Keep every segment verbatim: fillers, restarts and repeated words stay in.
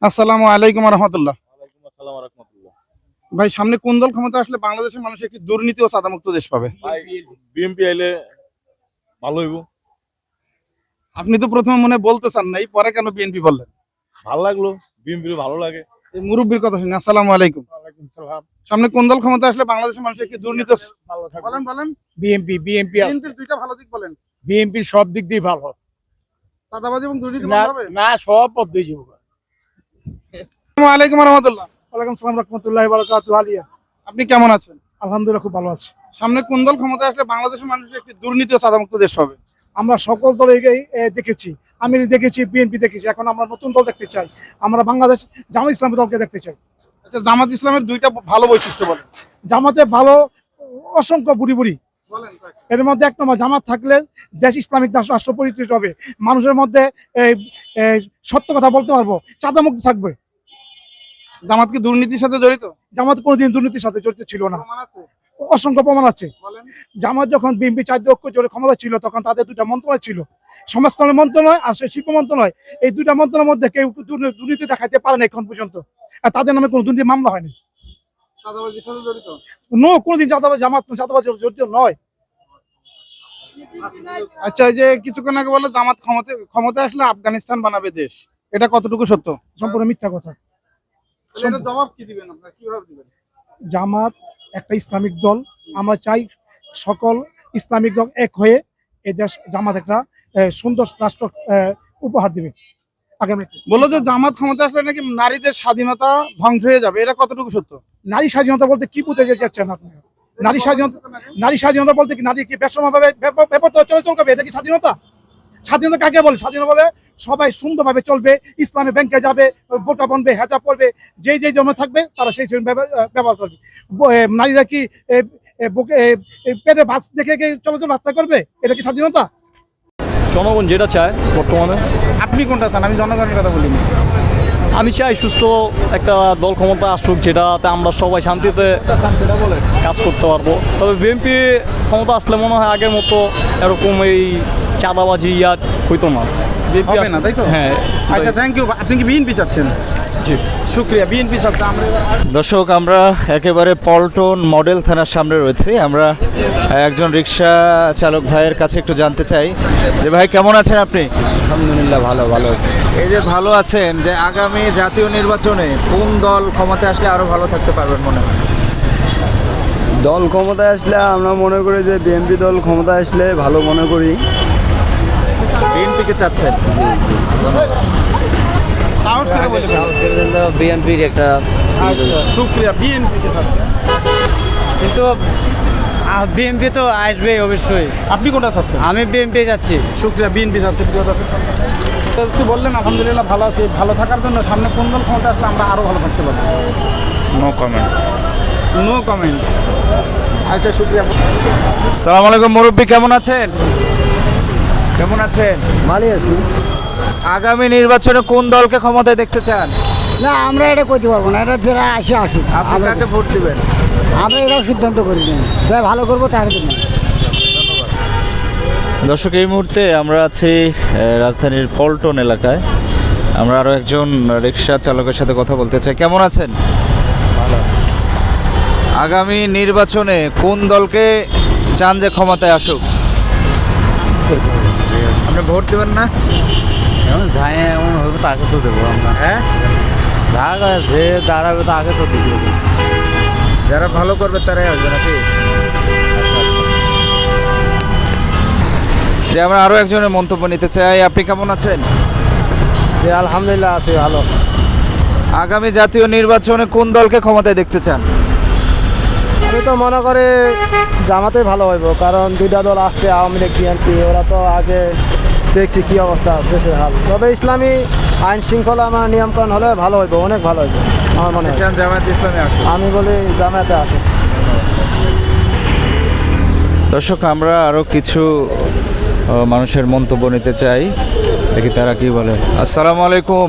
আসসালামু আলাইকুম রহমতুল্লাহ। ওয়ালাইকুম আসসালাম ওয়া রাহমাতুল্লাহ। ভাই, সামনে কোন দল ক্ষমতা আসলে বাংলাদেশের মানুষ একটি দুর্নীতি ও সাদামুক্ত দেশ পাবে? ভাই বিএনপি আইলে ভালো হইব। আপনি তো প্রথমে মনে হয় বলতে চান নাই, পরে কেন বিএনপি বললেন? ভালো লাগলো, বিএনপি ভালো লাগে। এই মুরব্বীর কথা শুনি। আসসালামু আলাইকুম। ওয়ালাইকুম সালাম। সামনে কোন দল ক্ষমতা আসলে বাংলাদেশের মানুষ একটি দুর্নীতি ভালো থাকবে। বলেন বলেন বিএনপি বিএনপি বিএনপির দুইটা ভালো দিক বলেন। বিএনপির সব দিক দিয়ে ভালো। সাদাবাজি এবং দুর্নীতি না বন্ধ হবে। না সব পদ্ধতি যাব। আসসালামু আলাইকুম রহমতুল্লাহ। ওয়ালাইকুম সালাম রাহমাতুল্লাহি ওয়া বারাকাতুহু আলিয়া। আপনি কেমন আছেন? আলহামদুলিল্লাহ খুব ভালো আছি। সামনে কোন দল ক্ষমতা আসলে বাংলাদেশের মানুষ একটি দুর্নীতি ও সাদামুক্ত দেশ পাবে? আমরা সকল দলকেই এ, দেখেছি। আমি দেখেছি, বিএনপি দেখেছি, এখন আমরা নতুন দল দেখতে চাই। আমরা বাংলাদেশ জামাত ইসলামী দলকে দেখতে চাই। আচ্ছা, জামাত ইসলামের দুইটা ভালো বৈশিষ্ট্য বলেন। জামাতে ভালো অসংখ্য বুড়ি বুড়ি বলেন এর মধ্যে এক নম্বর, জামাত থাকলে দেশ ইসলামিক দাস রাষ্ট্র পরিচিত হবে। মানুষের মধ্যে এই, এই, সত্য কথা বলতে পারবো, চাঁদামুক্ত থাকবে। জামাত কি দুর্নীতির সাথে জড়িত? জামাত কোনোদিন দুর্নীতির সাথে জড়িত ছিল না, প্রমাণ আছে? অসংখ্য প্রমাণ আছে। বলেন। জামাত যখন বিএনপি চার ঐক্য জোটে ক্ষমতা ছিল, তখন তাদের দুটা মন্ত্রণালয় ছিল, সমাজ কল্যাণ মন্ত্রণালয় আর সেই শিল্প মন্ত্রণালয়। এই দুইটা মন্ত্রণালয়ের মধ্যে কেউ দুর্নী- দুর্নীতি দেখাতে পারে না এখন পর্যন্ত, আর তাদের নামে কোনো দুর্নীতি মামলা হয়নি। সাদাবাজির সাথে জড়িত? নো, কোনোদিন চাঁদাবাজ জামাত চাঁদাবাজ জড়িত নয়। আচ্ছা, এই যে কিছুক্ষণ আগে বললো জামাত ক্ষমতা ক্ষমতা আসলে আফগানিস্তান বানাবে দেশ, এটা কতটুকু সত্য? সম্পূর্ণ মিথ্যা কথা। এটা জবাব কি দিবেন আপনারা, কিভাবে দিবেন? জামাত একটা ইসলামিক দল। আমরা চাই সকল ইসলামিক দল এক হয়ে এই দেশ জামাত একটা আহ, সুন্দর রাষ্ট্র আহ, উপহার দিবে আগামী। বললো যে জামাত ক্ষমতা আসলে নাকি নারীদের স্বাধীনতা ধ্বংস হয়ে যাবে, এটা কতটুকু সত্য? নারী স্বাধীনতা বলতে কি বুঝতে চাচ্ছেন আপনি? নারী স্বাধীনতা নারী স্বাধীনতা বলতে কি নারী কি বেসমাভাবে ব্যাপার চলাচল করবে, এটা কি স্বাধীনতা? স্বাধীনতা কাকে বলে? স্বাধীনতা বলে সবাই সুন্দরভাবে চলবে, ইসলামী ব্যাংকে যাবে, বোরকা বনবে, হেজাব পরবে, যেই যেই জন্য থাকবে তারা সেই সেই ব্যবহার করবে। ব- এ, নারীরা কি এ, এ, বুকে এ, এ, পেটে বাস দেখে কি চলাচল রাস্তা করবে, এটা কি স্বাধীনতা? জনগণ যেটা চায় বর্তমানে, আপনি কোনটা চান? আমি জনগণের কথা বলিনি। আমি চাই সুস্থ একটা দল ক্ষমতা আসুক, যেটাতে আমরা সবাই শান্তিতে কাজ করতে পারবো। তবে বিএনপি ক্ষমতা আসলে মনে হয় আগের মতো এরকম এই চাঁদাবাজি ইয়া হইতো না। বিএনপি হবে না, তাই তো? হ্যাঁ। আচ্ছা, থ্যাংক ইউ। আপনি কি বিএনপি চাচ্ছেন? জি। শুক্রিয়া, বিএনপি চাচ্ছেন। আমরা এবার দর্শক, আমরা একেবারে পল্টন মডেল থানার সামনে রয়েছি। আমরা একজন রিক্সা চালক ভাইয়ের কাছে একটু জানতে চাই যে ভাই কেমন আছেন আপনি? আলহামদুলিল্লাহ ভালো ভালো আছে। এই যে ভালো আছেন, যে আগামী জাতীয় নির্বাচনে কোন দল ক্ষমতায় আসলে আরো ভালো থাকতে পারবেন মনে হয়? দল ক্ষমতায় আসলে আমরা মনে করি যে বিএনপি দল ক্ষমতায় আসলে ভালো মনে করি। বিএনপিকে চাচ্ছেন? সাহস করে বলে ফেলুন। বিএনপির একটা আচ্ছা, শুক্রিয়া, বিএনপি কে চাচ্ছেন। কিন্তু বিএনপি তো আসবে অবশ্যই। আপনি কোনটা চাচ্ছেন? আমি বিএনপি যাচ্ছি। শুক্রিয়া, বিএনপি চাচ্ছেন। প্রিয় দর্শক, তো একটু বললেন আলহামদুলিল্লাহ ভালো আছি। ভালো থাকার জন্য সামনে কোন দল ক্ষমতা আসলে আমরা আরো ভালো থাকতে পারবো? No comments. No comment. আচ্ছা, শুক্রিয়া। সালাম আলাইকুম মুরব্বী, কেমন আছেন? কেমন আছেন? ভালোই আছি। আগামী নির্বাচনে কোন দলকে ক্ষমতায় দেখতে চান? না, আমরা এটা করতে পারবো না, এটা যারা আসে আসুক। আপনি আমরা কাকে ভোট দিবেন? আমরা এটাও সিদ্ধান্ত করি না, যা ভালো করবো তার জন্য। দর্শক, এই মুহূর্তে আমরা আছি আহ, রাজধানীর পল্টন এলাকায়। আমরা আরও একজন রিক্সা চালকের সাথে কথা বলতে চাই। কেমন আছেন? আগামী নির্বাচনে কোন দলকে চান যে ক্ষমতায় আসুক? আপনি ভোট দেবেন না? এমন যাই এমন হবে তাকে তো দেবো আমরা। হ্যাঁ, যা যে দাঁড়াবে তাকে তো দেবো। যারা ভালো করবে তারাই আসবে নাকি? যে আমরা আরও একজনের মন্তব্য নিতে চাই। আপনি কেমন আছেন? যে আলহামদুলিল্লাহ আছে ভালো। আগামী জাতীয় নির্বাচনে কোন দলকে ক্ষমতায় দেখতে চান? আমি তো মনে করি জামাতে ভালো হইব, কারণ দুইটা দল আসছে, আওয়ামী লীগ বিএনপি, ওরা তো আগে দেখছি কি অবস্থা দেশের হাল। তবে ইসলামী আইন শৃঙ্খলা আমার নিয়মকানুন হলে ভালো হইব, অনেক ভালো হইব আমার মনে হয়। চান জামায়াত ইসলামী আসুক? আমি বলি জামাতে আসে। দর্শক, আমরা আরও কিছু আহ, মানুষের মন্তব্য নিতে চাই, দেখি তারা কি বলে। আসসালামু আলাইকুম,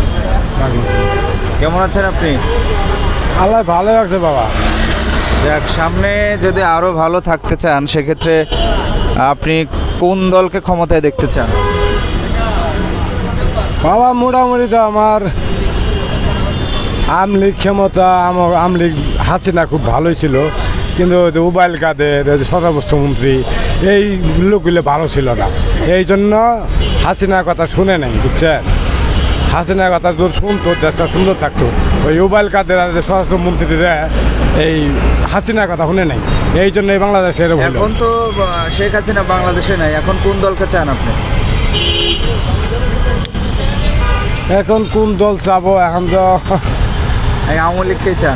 কেমন আছেন আপনি? আল্লাহ ভালো আছে বাবা। যাক, সামনে যদি আরও ভালো থাকতে চান সেক্ষেত্রে আপনি কোন দলকে ক্ষমতায় দেখতে চান? বাবা মোটামুটি তো আমার আমলিগ ক্ষমতা আমার আমলিগ হাসিনা খুব ভালোই ছিল, কিন্তু উবাইল কাদের স্বরাষ্ট্রমন্ত্রী এই লোকগুলো ভালো ছিল না, এই জন্য হাসিনার কথা শুনে নাই, বুঝছেন? হাসিনার কথা যদি শুনতো দেশটা সুন্দর থাকতো। ওই উবাইল কাদের আর স্বরাষ্ট্রমন্ত্রীরা এই হাসিনার কথা শুনে নাই, এই জন্য এই বাংলাদেশে এরকম হলো। এখন তো আহ, শেখ হাসিনা বাংলাদেশে নাই, এখন কোন দলকে চান আপনি? এখন কোন দল চাবো, এখন তো এই আওয়ামী লীগকে চান?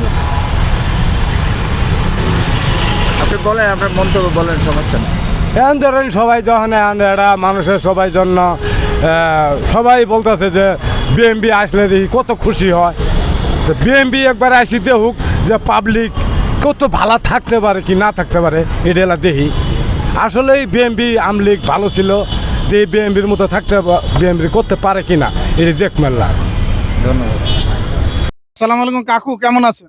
আপনি বলেন, আপনার মন্তব্য বলেন, সমস্যা নেই। এখন ধরেন সবাই যখন এখন এরা মানুষের সবাই জন্য আহ, সবাই বলতেছে যে বিএমপি আসলে দেখি কত খুশি হয়, তো বিএমপি একবার আসি দেখুক যে পাবলিক কত ভালো থাকতে পারে কি না থাকতে পারে, এটা এলা দেখি। আসলেই বিএমপি আমলিগ ভালো ছিল, যে বিএমপির মতো থাকতে বিএমপি করতে পারে কি না এটা দেখ মেলা। ধন্যবাদ। আসসালামু আলাইকুম কাকু, কেমন আছেন?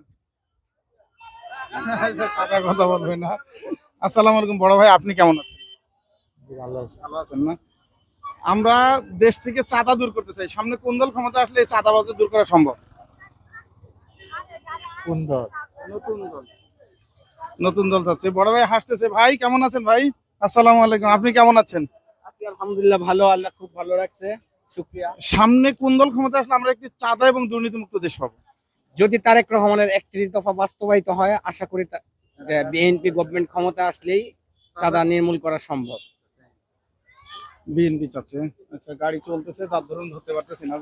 কাকা কথা বলবেন না। আসসালামু আলাইকুম বড় ভাই, আপনি কেমন আছেন? ভালো আছেন? ভালো আছেন না? আমরা দেশ থেকে চাঁদা দূর করতে চাই, সামনে কোন দল ক্ষমতা আসলে এই চাঁদাবাজি দূর করা সম্ভব? কোন দল? নতুন দল। নতুন দল চাচ্ছে। বড় ভাই হাসতেছে। ভাই কেমন আছেন ভাই? আসসালামু আলাইকুম, আপনি কেমন আছেন? আলহামদুলিল্লাহ ভালো, আল্লাহ খুব ভালো রাখছে, শুকরিয়া। সামনে কোন দল ক্ষমতা আসলে আমরা একটি চাঁদা এবং দুর্নীতিমুক্ত দেশ পাবো? যদি তারেক রহমানের একত্রিশ দফা বাস্তবায়িত হয়, আশা করি তা- যে বিএনপি গভর্নমেন্ট ক্ষমতা আসলেই চাঁদা নির্মূল করা সম্ভব। বিএনপি চাচ্ছে। আচ্ছা, গাড়ি চলতেছে, তার ধরুন ধরতে পারতেছি না।